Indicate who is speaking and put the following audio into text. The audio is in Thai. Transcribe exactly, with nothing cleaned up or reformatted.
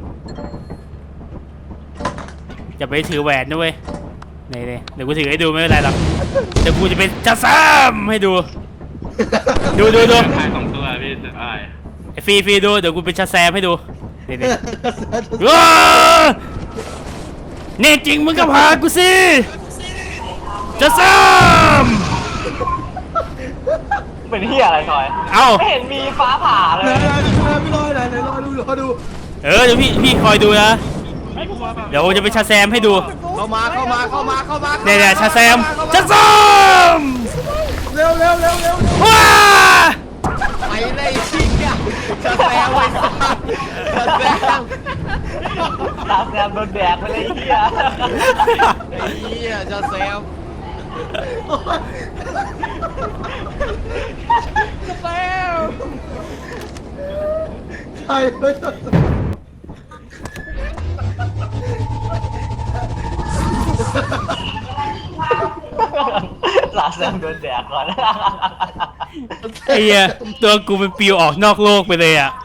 Speaker 1: อย่าไปถือแหวนนะเว้ยนี่นี่เดี๋ยวกูถือให้ดูไม่เป็นไรหรอกเดี๋ยวกูจะเป็นจะซ้ำให้ดูดูดูดู
Speaker 2: ขายสองตัวพี่จะอะไร
Speaker 1: ไอ้ฟรีฟรีดูเดี๋ยวกูเป็นชาแซมให้ดูนี่นี่ว้านี่จริงมึงก็พากูสิจะซ้ำ
Speaker 3: เป็นที่อะไรทอย
Speaker 1: เอ้า
Speaker 3: ไม่เห็นมีฟ้าผ่าเลย
Speaker 4: ไหนไหนพี่รอยไหนไหนรอดูรอดู
Speaker 1: เออเดี๋ยวพี่พี่คอยดูนะเดี๋ยวจะเป็นชาแซมให้ดู
Speaker 4: เข้ามาเข้ามาเข้ามาเข้ามา
Speaker 1: เนี่ยเนี่ยชาแซมชาแซม
Speaker 4: เร็วเร็วเร็วเร็ว
Speaker 1: ว้า
Speaker 4: ไปเลยชิงอ่ะจะแซงไปจะแซง
Speaker 3: ตาแซมโดนแดกไปเลยไอ้เหี้ย
Speaker 4: ไอ้เหี้ยจะแซงจะแซงใช่เลย
Speaker 3: ตาแซมโดนแดกก่อน
Speaker 1: ไอ้เหี้ยตัวกูเป็นปิวออกนอกโลกไปเลยอ่ะ